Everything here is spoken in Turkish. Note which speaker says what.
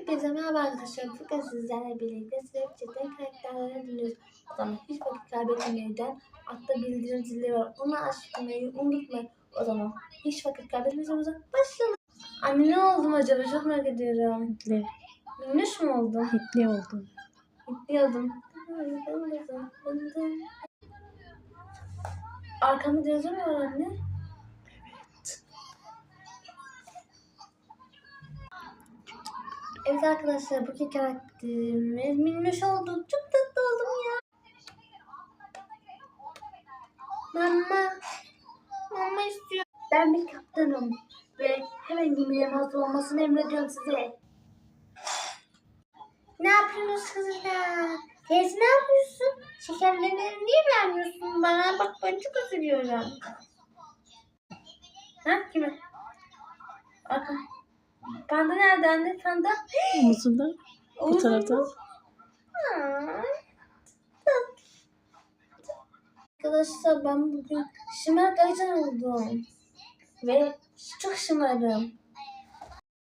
Speaker 1: Hepinize merhaba arkadaşlar. Bugün sizlerle birlikte Snapchat'ten karakterlere dönüyoruz. O zaman hiç vakit kaybetmeden altta bildirim zili var. Onu açmayı unutmayın. O zaman hiç vakit kaybetmeden başlayalım. Anne ne oldum acaba? Çok merak ediyorum.
Speaker 2: Hitli.
Speaker 1: Minnoş mu oldum?
Speaker 2: Hitli oldun.
Speaker 1: Hitli oldum. Arkamda yazı mı var anne? Evet arkadaşlar, bugün karakterimiz Minnoş oldu. Çok tatlı oldum ya. Mama istiyor. Ben bir kaptanım ve hemen gemilerin hazır olmasını emrediyorum size. Ne yapıyorsunuz kızlar? Teyze ne yapıyorsun? Şekerlerini niye vermiyorsun bana? Bak ben çok üzülüyorum. Ha kime? Arka. Panda nerede anne? Panda?
Speaker 2: Omuzunda. Bu tarafta.
Speaker 1: Arkadaşlar ben bugün şımarık ajan oldum. Ve çok şımarım.